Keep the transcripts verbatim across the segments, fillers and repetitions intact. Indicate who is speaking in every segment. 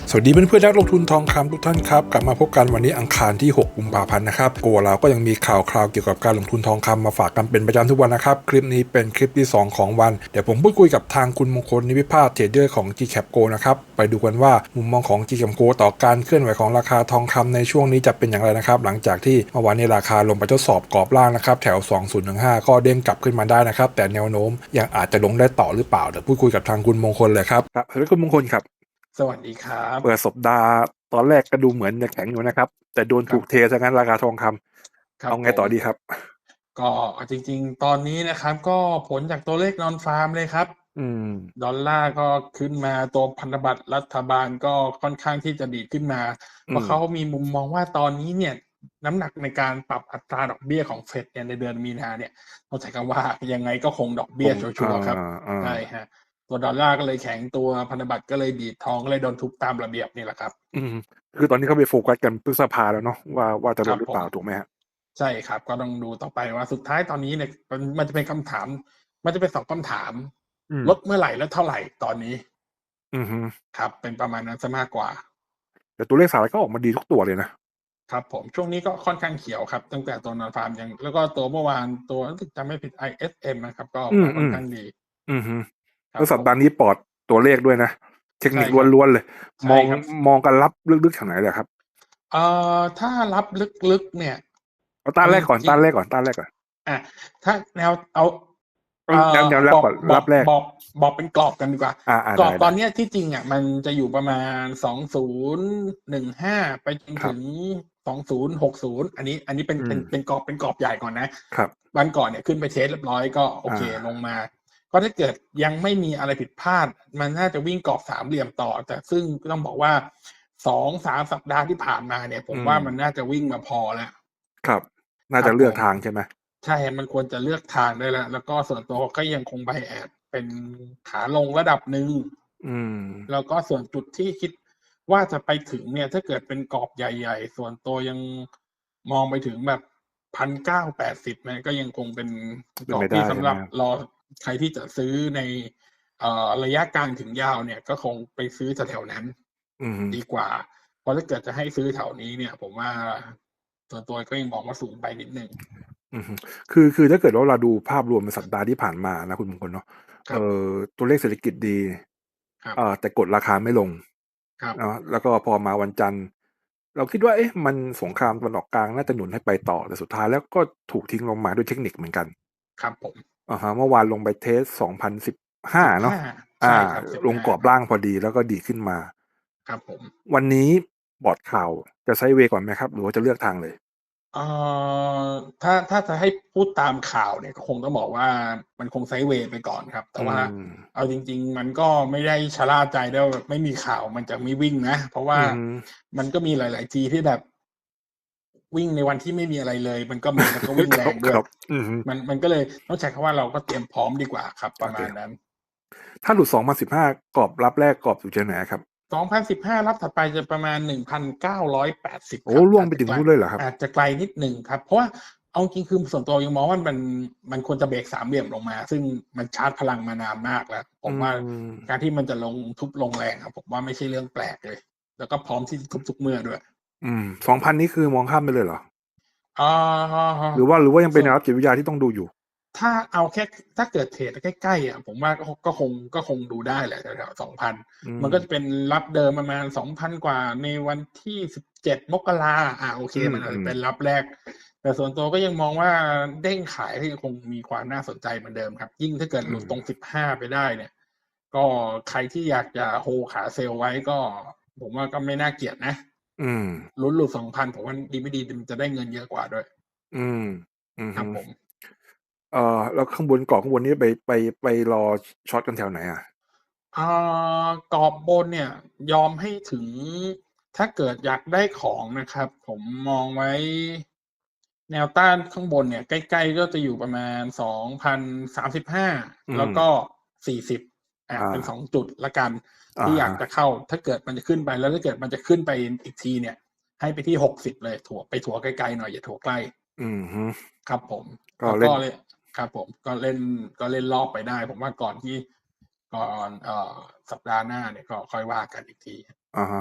Speaker 1: สวัสดีเพื่อนๆนักลงทุนทองคำทุกท่านครับกลับมาพบกันวันนี้อังคารที่หกกุมภาพันธ์นะครับโกเราก็ยังมีข่าวคราวเกี่ยวกับการลงทุนทองคำมาฝากกันเป็นประจำทุกวันนะครับคลิปนี้เป็นคลิปที่สองของวันเดี๋ยวผมพูดคุยกับทางคุณมงคลนิวิภาสเทรดเดอร์ของ จี แคป Go นะครับไปดูกันว่ามุมมองของ จี แคป Go ต่อการเคลื่อนไหวของราคาทองคำในช่วงนี้จะเป็นอย่างไรนะครับหลังจากที่เมื่อวานนี้ราคาลงไปทดสอบกรอบล่างนะครับแถวสองพันสิบห้าก็เด้งกลับขึ้นมาได้นะครับแต่แนวโน้มยังอาจจะลงได้ต่อหรือเปล่าเดี๋ยวพูดคุยกับทางคุณมงคลเลยครับครับสวัสดีคุณมงคลครับ
Speaker 2: สวัสดีครับ
Speaker 1: เปิดสัปดาห์ตอนแรกก็ดูเหมือนจะแข็งอยู่นะครับแต่โดนถูกเทซะงั้นราคาทองคำเอาไงต่อดีครับ
Speaker 2: ก็จริงๆตอนนี้นะครับก็ผลจากตัวเลขนอนฟาร์มเลยครับ
Speaker 1: อืม
Speaker 2: ดอลลาร์ก็ขึ้นมาตัวพันธบัตรรัฐบาลก็ค่อนข้างที่จะดีขึ้นมาเพราะเขามีมุมมองว่าตอนนี้เนี่ยน้ำหนักในการปรับอัตราดอกเบี้ยของเฟดเนี่ยในเดือนมีนาเนี่ยต้องใช้คำว่ายังไงก็คงดอกเบี้ยชัวร์ๆครับใช่ฮะตัวดอลลาร์ก็เลยแข็งตัวพันธบัตรก็เลยดีดทองก็เลยโดนทุบตามระเบียบนี่แหละครับ
Speaker 1: อืมคือตอนนี้เขาไปโฟกัสกันพฤษภาแล้วเนาะว่าว่าจะลดหรือเปล่า
Speaker 2: ครับผม
Speaker 1: ถูกไหมฮะ
Speaker 2: ใช่ครับก็ต้องดูต่อไปว่าสุดท้ายตอนนี้เนี่ยมันมันจะเป็นคำถามมันจะเป็นสองคำถาม
Speaker 1: อืม
Speaker 2: ลดเมื่อไหร่และเท่าไหร่ตอนนี้
Speaker 1: อือฮึ
Speaker 2: ครับเป็นประมาณนั้นซะมากกว่า
Speaker 1: แต่ตัวเลขสหรัฐก็ออกมาดีทุกตัวเลยนะครับ
Speaker 2: ผมช่วงนี้ก็ค่อนข้างเขียวครับตั้งแต่ตัวนอนฟาร์มยังแล้วก็ตัวเมื่อวานตัวรู้สึกจำไม่ผิด ไอ เอส เอ็ม นะครับก็ออกมาค่อน
Speaker 1: อืมอืม
Speaker 2: ข้างดี
Speaker 1: อือฮึ
Speaker 2: ครับผม
Speaker 1: แล้วสัปดาห์นี้ปลอดตัวเลขด้วยนะเทคนิค
Speaker 2: ใช่ครับ
Speaker 1: ล้วนๆเลยมอง
Speaker 2: ใช่ครับ
Speaker 1: มองกันรับลึกๆแถวไหนเลยครับ
Speaker 2: เอ่อถ้ารับลึกๆเนี่ย
Speaker 1: เอาต้า
Speaker 2: เอาจ
Speaker 1: นแรกก่อน
Speaker 2: ริง
Speaker 1: ต้านแรกก่อนต้านแรกก่อน
Speaker 2: ๆอะถ้าแนวเอา
Speaker 1: เอา
Speaker 2: เอ่
Speaker 1: แนว
Speaker 2: อ
Speaker 1: แนวแร
Speaker 2: บอก
Speaker 1: กก่อน
Speaker 2: บอก
Speaker 1: รับแรก
Speaker 2: บอกบอกเป็นกรอบกันดีกว่า
Speaker 1: อ่าอ่า
Speaker 2: กรอ
Speaker 1: ได้ได้
Speaker 2: บตอนเนี้ยที่จริงอ่ะมันจะอยู่ประมาณสองศูนย์หนึ่งห้าไปจนถึง
Speaker 1: ครับ
Speaker 2: สองศูนย์หกศูนย์อันนี้อันนี้เป็น
Speaker 1: อืม
Speaker 2: เป็นเป็นกรอบเป็นกรอบใหญ่ก่อนนะครับ วันก่อนเนี่ยขึ้นไปเทสเรียบร้อยก็โอ
Speaker 1: อ่า
Speaker 2: เคลงมาก็ถ้าเกิดยังไม่มีอะไรผิดพลาดมันน่าจะวิ่งกรอบสามเหลี่ยมต่อแต่ซึ่งต้องบอกว่าสองสามสัปดาห์ที่ผ่านมาเนี่ยผม
Speaker 1: อืม
Speaker 2: ว่ามันน่าจะวิ่งมาพอแล้ว
Speaker 1: ครับน่าจะเลือก
Speaker 2: ครับผม
Speaker 1: ทางใช่ไหม
Speaker 2: ใช่มันควรจะเลือกทางได้แล้วแล้วก็ส่วนตัวก็ยังคง bias เป็นขาลงระดับหนึ่ง
Speaker 1: อืม
Speaker 2: แล้วก็ส่วนจุดที่คิดว่าจะไปถึงเนี่ยถ้าเกิดเป็นกรอบใหญ่ๆส่วนตัวยังมองไปถึงแบบพันเก้าแปดสิบมันก็ยังคงเป็น
Speaker 1: เป็นไป
Speaker 2: กรอบที่
Speaker 1: ได้ใช่ไหม
Speaker 2: สำหรับรอใครที่จะซื้อในเอ่อระยะกลางถึงยาวเนี่ยก็คงไปซื้อแถวๆนั้น
Speaker 1: อืม
Speaker 2: ดีกว่าเพราะถ้าเกิดจะให้ซื้อแถวนี้เนี่ยผมว่าส่วนตัวก็ยังมองว่าสูงไปนิดหนึ่ง
Speaker 1: อือฮึคือคือถ้าเกิดว่าเราดูภาพรวมในสัปดาห์ที่ผ่านมานะคุณมงคลเนาะเอ่
Speaker 2: ครับ
Speaker 1: อตัวเลขเศรษฐกิจดี
Speaker 2: ครับ
Speaker 1: เอ่อแต่กดราคาไม่ลง
Speaker 2: ครับ
Speaker 1: เนาะแล้วก็พอมาวันจันทร์เราคิดว่าเอ๊ะมันสงครามตะวันออกกลางน่าจะหนุนให้ไปต่อแต่สุดท้ายแล้วก็ถูกทิ้งลงมาด้วยเทคนิคเหมือนกัน
Speaker 2: ครับผม
Speaker 1: อะฮะเมื่อวานลงไปเทสสองพันสิบห้าเนาะ
Speaker 2: สิบห้า
Speaker 1: อา
Speaker 2: ใช่ครับ
Speaker 1: ลง
Speaker 2: สิบห้า
Speaker 1: กรอบล่างพอดีแล้วก็ดีขึ้นมา
Speaker 2: ครับผม
Speaker 1: วันนี้บอร์ดข่าวจะไซด์เวย์ก่อนไหมครับหรือว่าจะเลือกทางเลย
Speaker 2: เอ่อถ้าถ้าจะให้พูดตามข่าวเนี่ยก็คงต้องบอกว่ามันคงไซด์เวย์ไปก่อนครับแต่
Speaker 1: อื
Speaker 2: ว่า
Speaker 1: ม
Speaker 2: เอาจริงๆมันก็ไม่ได้ชะล่าใจด้วยว่าแบบไม่มีข่าวมันจะไม่วิ่งนะเพราะว่า
Speaker 1: อือฮึ
Speaker 2: มันก็มีหลายๆทีที่แบบวิ่งในวันที่ไม่มีอะไรเลยมันก็มีแล้วก็วิ่ง
Speaker 1: ค
Speaker 2: แรงด้วย
Speaker 1: รับๆอือฮึ
Speaker 2: มันมันก็เลยต้องใช้คำว่าเราก็เตรียมพร้อมดีกว่าครับป
Speaker 1: โอเค
Speaker 2: ระมาณนั้น
Speaker 1: ถ้าหลุดสองพันสิบห้ากรอบรับแรกกรอบอยู่ที่ไหนครับ
Speaker 2: สองพันสิบห้ารับถัดไปจะประมาณหนึ่งพันเก้าร้อยแปดสิบ
Speaker 1: โอ้
Speaker 2: ครับ
Speaker 1: ร่วงไปถึง
Speaker 2: อาจจะไกล
Speaker 1: นู่นเลยเหรอครับ
Speaker 2: อาจจะไกลนิดหนึ่งครับเพราะว่าเอาจริงๆคือส่วนตัวยังมองว่ามันมันควรจะเบรกสามเหลี่ยมลงมาซึ่งมันชาร์จพลังมานานมากแล้วผ
Speaker 1: อื
Speaker 2: มว่า
Speaker 1: ม
Speaker 2: การที่มันจะลงทุบลงแรงอะผมว่าไม่ใช่เรื่องแปลกเลยแล้วก็พร้อมที่จะทุบทุกเมื่อด้วย
Speaker 1: อืมสองพันนี่คือมองข้ามไปเลยเหรอ
Speaker 2: อา
Speaker 1: หรือว่าหรือว่ายังเป็น
Speaker 2: ส่วน
Speaker 1: แนวรับจิตวิทยาที่ต้องดูอยู่
Speaker 2: ถ้าเอาแค่ถ้าเกิดเทรดใกล้ๆอะผมว่าก็ก็คงก็คงดูได้แหละแถวๆสองพัน
Speaker 1: อืม
Speaker 2: มันก็จะเป็นรับเดิมประมาณสองพันกว่าในวันที่สิบเจ็ดมกราอาโอเค
Speaker 1: อื
Speaker 2: มันอาจจะ
Speaker 1: ม
Speaker 2: เป็นรับแรกแต่ส่วนตัวก็ยังมองว่าเด้งขายก็ยังคงมีความน่าสนใจเหมือนเดิมครับยิ่งถ้าเกิด
Speaker 1: อืม
Speaker 2: หลุดตรงสิบห้าไปได้เนี่ยก็ใครที่อยากจะโฮลขาเซลล์ไว้ก็ผมว่าก็ไม่น่าเกลียดนะ
Speaker 1: อืม
Speaker 2: ลุ้นหลุดสองพันผมว่าดีไม่ดีมันจะได้เงินเยอะกว่าด้วย
Speaker 1: อืมอือฮึ
Speaker 2: ครับผม
Speaker 1: เอ่อแล้วข้างบนกรอบข้างบนนี้ไปไปไปรอช็อตกันแถวไหนอะ
Speaker 2: อ่ากรอบบนเนี่ยยอมให้ถึงถ้าเกิดอยากได้ของนะครับผมมองไว้แนวต้านข้างบนเนี่ยใกล้ๆก็จะอยู่ประมาณสองพันสามสิบห้า
Speaker 1: อืม
Speaker 2: แล้วก็สี่สิบอา
Speaker 1: อา
Speaker 2: เป็นสองจุดแล้วกัน
Speaker 1: อะ
Speaker 2: ที่อยาก
Speaker 1: ฮะ
Speaker 2: จะเข้าถ้าเกิดมันจะขึ้นไปแล้วถ้าเกิดมันจะขึ้นไปอีกทีเนี่ยให้ไปที่หกสิบเลยถัวไปถัวไกลๆหน่อยอย่าถัวใกล้
Speaker 1: อือฮึ
Speaker 2: ครับผม
Speaker 1: ก็เล่น
Speaker 2: แล้วก็เลยครับผมก็เล่นก็เล่นรอบไปได้ผมว่าก่อนที่ ก่อนเอ่อสัปดาห์หน้าเนี่ยก็ค่อยว่ากันอีกที
Speaker 1: อะฮะ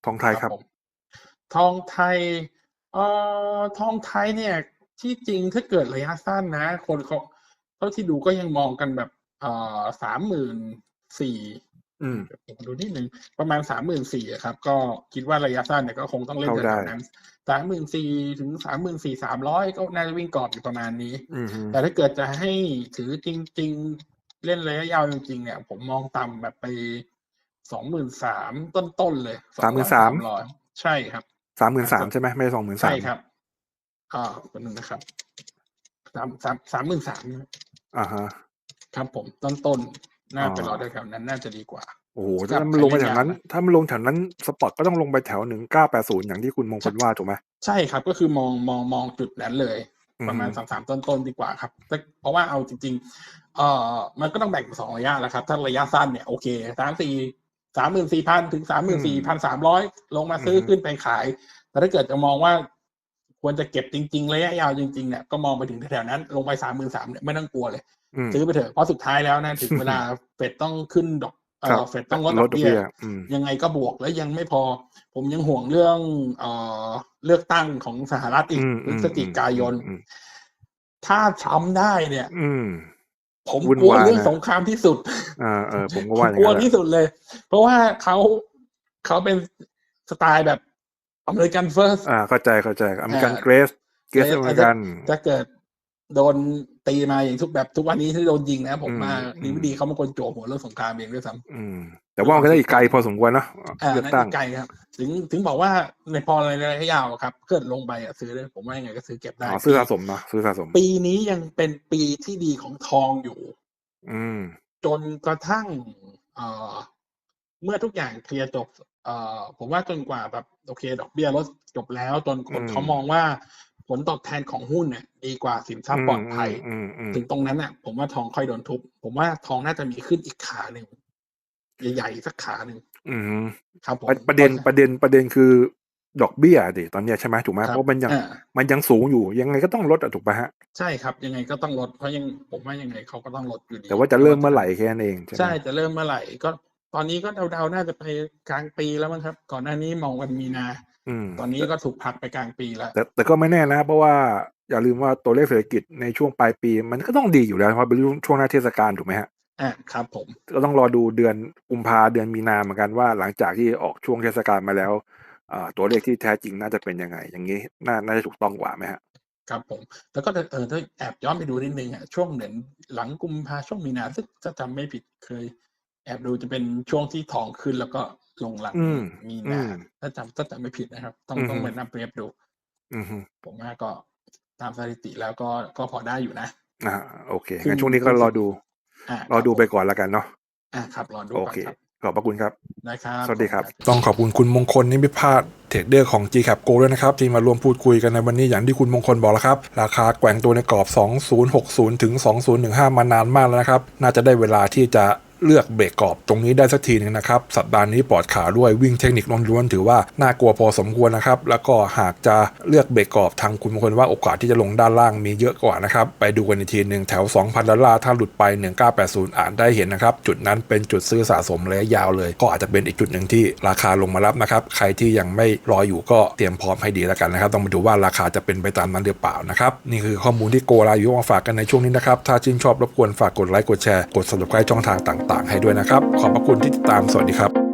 Speaker 1: ทองไทย
Speaker 2: ค
Speaker 1: ค
Speaker 2: รั
Speaker 1: รั
Speaker 2: บบ ผมทองไทยเอ่อทองไทยเนี่ยที่จริงถ้าเกิดระยะสั้นนะ คนเขาเท่าที่ดูก็ยังมองกันแบบเอ่อ สามหมื่นสี่พัน
Speaker 1: อืม
Speaker 2: เดี๋ยวผมดูนิดนึงประมาณ สามหมื่นสี่พัน อะครับก็คิดว่าระยะสั้นเนี่ยก็คงต้องเล่น
Speaker 1: เข้า
Speaker 2: แถ
Speaker 1: ได้
Speaker 2: วๆนั้น สามหมื่นสี่พัน ถึง สามหมื่นสี่พันสามร้อย ก็น่าจะวิ่งกรอบอยู่ประมาณนี้
Speaker 1: อือฮึ
Speaker 2: แต่ถ้าเกิดจะให้ถือจริง ๆ เล่นระยะยาวจริง ๆ เนี่ย ผมมองต่ำแบบไป สองหมื่นสามพัน ต้น ๆ เลย ส
Speaker 1: สา
Speaker 2: อ
Speaker 1: ม
Speaker 2: ง
Speaker 1: หมื่
Speaker 2: ร้อน ย
Speaker 1: สา
Speaker 2: สาม มร้อย ใช่ครับ
Speaker 1: สามหมื่นสาม
Speaker 2: ครับ
Speaker 1: ใช่ไหมไม่ใช่สองหมื่น
Speaker 2: ใช่
Speaker 1: สาม
Speaker 2: ครับ อ่า แป๊บหนึ่งนะครับ สาม สาม สามหมื่นสาม
Speaker 1: อะฮะ
Speaker 2: ครับผม ต้น ๆ น่า
Speaker 1: อ๋อ
Speaker 2: ไปรอแถวๆนั้นน่าจะดีกว่า
Speaker 1: โอ้โฮ
Speaker 2: สำห
Speaker 1: ถ้า
Speaker 2: รับ
Speaker 1: มัน
Speaker 2: ใคร
Speaker 1: ลง
Speaker 2: เ
Speaker 1: ไป
Speaker 2: ล่น
Speaker 1: แถวย
Speaker 2: าว
Speaker 1: นั้น
Speaker 2: นะ
Speaker 1: ถ้ามันลงแถวนั้น สปอตก็ต้องลงไปแถว หนึ่งเก้าแปดศูนย์ อย่างที่คุณมงค
Speaker 2: ช
Speaker 1: ลว่าถูกไหม?
Speaker 2: ใช่ครับ ก็คือมอง มอง มองจุดนั้นเลย
Speaker 1: อือฮึ
Speaker 2: ประมาณ สามสาม ต้น ๆ ดีกว่าครับ แต่ เพราะว่าเอาจริง ๆ เอ่อ มันก็ต้องแบ่งเป็น สอง ระยะแหละครับ ถ้าระยะสั้นเนี่ยโอเค สามสี่ สามหมื่นสี่พัน ถึง สามห
Speaker 1: อื
Speaker 2: มื่นสี่พัน
Speaker 1: ม
Speaker 2: สามร้อย ลงมา
Speaker 1: อือ
Speaker 2: ซื้อ
Speaker 1: ฮึ
Speaker 2: ขึ้นไปขาย แต่ถ้าเกิดจะมองว่าควรจะเก็บจริง ๆ ระยะยาวจริง ๆ เนี่ยก็มองไปถึงแถวๆนั้น ลงไป สามหมื่นสาม เนี่ยไม่ต้องกลัวเลย
Speaker 1: อืม
Speaker 2: ซื้อไปเถอะ เพราะสุดท้ายแล้วนะถึงเวลา เฟดต้องขึ้นดอก เอ่
Speaker 1: ครับ
Speaker 2: อ เฟดต้องลด
Speaker 1: ล
Speaker 2: ด
Speaker 1: ด
Speaker 2: อก
Speaker 1: ดอ
Speaker 2: เบี้
Speaker 1: ก
Speaker 2: ย
Speaker 1: เบี้ย อืม
Speaker 2: ยังไงก็บวก และยังไม่พอ ผมยังห่วงเรื่อง เอ่อ เลือกตั้งของสหรัฐอี
Speaker 1: อื
Speaker 2: ก
Speaker 1: ม
Speaker 2: พฤศจิกายน
Speaker 1: ๆ ๆ ๆ ๆ
Speaker 2: ถ้า Trump ได้เนี่ย
Speaker 1: อืม
Speaker 2: ผม
Speaker 1: วุ่น
Speaker 2: กลัว
Speaker 1: วาย
Speaker 2: เรื่อง
Speaker 1: นะ
Speaker 2: สงครามที่สุด
Speaker 1: เออ ๆ ผมก็
Speaker 2: ผ
Speaker 1: ว่าอย่
Speaker 2: ก
Speaker 1: างง
Speaker 2: ลัวั
Speaker 1: ้นแหล
Speaker 2: ที่
Speaker 1: ะ
Speaker 2: สุดเลย เพราะว่าเขา เขาเป็นสไตล์แบบ American First
Speaker 1: อา เข้าใจ ๆ อเม
Speaker 2: อ
Speaker 1: ริกัน
Speaker 2: า
Speaker 1: Great Great
Speaker 2: Great
Speaker 1: อเม
Speaker 2: อา
Speaker 1: ริ
Speaker 2: ถ้
Speaker 1: ก
Speaker 2: า
Speaker 1: ัน
Speaker 2: ถ้าเกิดโดนตีมาอย่างทุก แบบทุกวันนี้ที่โดนยิงนะ ผ
Speaker 1: อื
Speaker 2: มว่าดีไม่ดี
Speaker 1: ม ๆ
Speaker 2: เขาเป็นคนจั่วหัวเรื่องสงครามเองด้วยซ้
Speaker 1: อืม
Speaker 2: ำ
Speaker 1: แต
Speaker 2: ด่้ว
Speaker 1: ว
Speaker 2: ย่
Speaker 1: า
Speaker 2: คว
Speaker 1: มั
Speaker 2: าม
Speaker 1: นก็
Speaker 2: คิด
Speaker 1: อีกไกลพอสมควรเนาะ อ
Speaker 2: อา
Speaker 1: เลือก
Speaker 2: นั่น
Speaker 1: ตั
Speaker 2: อ้ี
Speaker 1: ง
Speaker 2: กไกลครับ ถึง ถึงบอกว่าในพอในระยะยาวอะครับ เกิดลงไปอะซื้อได้ ผมว่ายังไงก็ซื้อเก็บไ
Speaker 1: อ
Speaker 2: ด้
Speaker 1: ๋อ ซ
Speaker 2: ปื
Speaker 1: ้อีสะสมเนาะ ซื้อสะสม
Speaker 2: ปีนี้ยังเป็นปีที่ดีของทองอยู่
Speaker 1: อืม
Speaker 2: จนกระทั่ง เอ่อ เมื่อทุกอย่างเคลียร์จบ เอ่อ ผมว่าจนกว่าแบบ โอเค ดอกเบี้ยลดจบแล้ว จน
Speaker 1: อ
Speaker 2: คืนเขามอง
Speaker 1: ม
Speaker 2: ว่าผลตอบแทนของหุ้นเนี่ยดีกว่าสินทรั
Speaker 1: อื
Speaker 2: พย์ปลอดภัย
Speaker 1: ม
Speaker 2: ถึง
Speaker 1: ๆ ๆ ๆ
Speaker 2: ตรงนั้นน่ะ ผมว่าทองค่อยโดนทุบ ผมว่าทองน่าจะมีขึ้นอีกขาหนึ่ง ใหญ่ ๆ สักขาหนึ่ง
Speaker 1: อือฮึ ปร
Speaker 2: ครับผม
Speaker 1: ะ ประ
Speaker 2: เ
Speaker 1: เ
Speaker 2: พ
Speaker 1: ด็
Speaker 2: รา
Speaker 1: น
Speaker 2: ะฉะ
Speaker 1: ประเด็น ประเด็นคือดอกเบี้ยอะสิตอนเนี้ย ใช่ไหม ถูกไหม
Speaker 2: คร
Speaker 1: เพัรา
Speaker 2: บ
Speaker 1: ะมันยัง
Speaker 2: อา
Speaker 1: มันยังสูงอยู่ ยังไงก็ต้องลดอะถูกเปล่าครับ?
Speaker 2: ใช่ครับ ยังไงก็ต้องลด เพราะยัง ผมว่ายังไงเขาก็ต้องลดอยู่ด
Speaker 1: แ
Speaker 2: ี
Speaker 1: ต่ว่าจะ
Speaker 2: ไม่ว่
Speaker 1: เริ่ม
Speaker 2: า
Speaker 1: เ
Speaker 2: จ
Speaker 1: มื่
Speaker 2: ะ
Speaker 1: อไหร่แค่นั้นเองใช่
Speaker 2: ใ
Speaker 1: ไ
Speaker 2: ช
Speaker 1: หม?
Speaker 2: ่ จะเริ่มเมื่อไหร่ ก็ตอนนี้ก็เดา ๆ น่าจะไปกลางปีแล้วมั้งครับ ก่อนหน้านี้มองวันมีนา
Speaker 1: อืม
Speaker 2: ตอนนี้
Speaker 1: แต่
Speaker 2: ก็ถูกผลักไปกลางปีแล้ว
Speaker 1: แต่ แต่ก็ไม่แน่นะ เพราะว่าอย่าลืมว่าตัวเลขเศรษฐกิจในช่วงปลายปีมันก็ต้องดีอยู่แล้ว เพราะเป็นรุ่ง ช่วงหน้าเทศกาลถูกไหมครับ?
Speaker 2: อา ครับผม
Speaker 1: ก็ต้องรอดูเดือนกุมภา เดือนมีนาเหมือนกันว่า หลังจากที่ออกช่วงเทศกาลมาแล้ว อ่า ตัวเลขที่แท้จริงน่าจะเป็นยังไง อย่างงี้น่า น่าจะถูกต้องกว่าไหมครับ?
Speaker 2: ครับผม แล้วก็ถ้า เอ่อ ถ้าแอบย้อนไปดูนิดหนึ่งอะ ช่วงเหมือนหลังกุมภา ช่วงมีนา ซึ่งถ้าจำไม่ผิดเคยแอบดูจะเป็นช่วงที่ทองขึ้น แล้วก็ลงหลัง
Speaker 1: อืม
Speaker 2: มี
Speaker 1: อื
Speaker 2: นา
Speaker 1: ม
Speaker 2: ถ้าจำ ถ้าจำไม่ผิดนะครับ ต้อง
Speaker 1: อือฮ
Speaker 2: ต้อง
Speaker 1: ึ
Speaker 2: ไปนับ Wave ดู
Speaker 1: อือฮึ
Speaker 2: ผมว่าก็ตามสถิติแล้วก็ ก็พอได้อยู่นะ
Speaker 1: อา โอเค
Speaker 2: ครึ่ง
Speaker 1: งั้นช่วงนี้
Speaker 2: ครึ่งส
Speaker 1: ก็รอิ
Speaker 2: บ
Speaker 1: ดู
Speaker 2: อา
Speaker 1: รอดูไป
Speaker 2: ครับผม
Speaker 1: ก่อนแล้วกันเนาะ
Speaker 2: อา ครับ รอดู
Speaker 1: โอเค
Speaker 2: ก่อนครับ
Speaker 1: ขอบพระคุณครับ
Speaker 2: ได้ครับ
Speaker 1: สวัสดีครับ
Speaker 2: ขอบคุณครับ
Speaker 1: ต้องขอบคุณคุณมงคล นิมิตพาส เทรดเดอร์ของ จี-Cap Go ด้วยนะครับ ที่มาร่วมพูดคุยกันในวันนี้ อย่างที่คุณมงคลบอกแล้วครับ ราคาแกว่งตัวในกรอบ สองพันหกสิบ ถึง สองพันสิบห้า มานานมากแล้วนะครับ น่าจะได้เวลาที่จะเลือกเบรกกรอบตรงนี้ได้สักทีนึงนะครับ สัปดาห์นี้ปลอดข่าวด้วยวิ่งเทคนิคล้วนๆถือว่าน่ากลัวพอสมควรนะครับ แล้วก็หากจะเลือกเบรกกรอบทางคุณมงคลว่าโอกาสที่จะลงด้านล่างมีเยอะกว่านะครับ ไปดูกันอีกทีนึงแถว สองพัน ดอลลาร์ ถ้าหลุดไป หนึ่งพันเก้าร้อยแปดสิบ อาจได้เห็นนะครับ จุดนั้นเป็นจุดซื้อสะสมระยะยาวเลย ก็อาจจะเป็นอีกจุดหนึ่งที่ราคาลงมารับนะครับ ใครที่ยังไม่รออยู่ก็เตรียมพร้อมให้ดีแล้วกันนะครับ ต้องมาดูว่าราคาจะเป็นไปตามนั้นหรือเปล่านะครับ นี่คือข้อมูลที่โกลาอยู่มาฝากกันในช่วงนี้นะครับ ถ้าชื่นชอบรบกวนฝากกดไลค์กดแชร์กด Subscribe ช่องทางต่างๆให้ด้วยนะครับ ขอบพระคุณที่ติดตาม สวัสดีครับ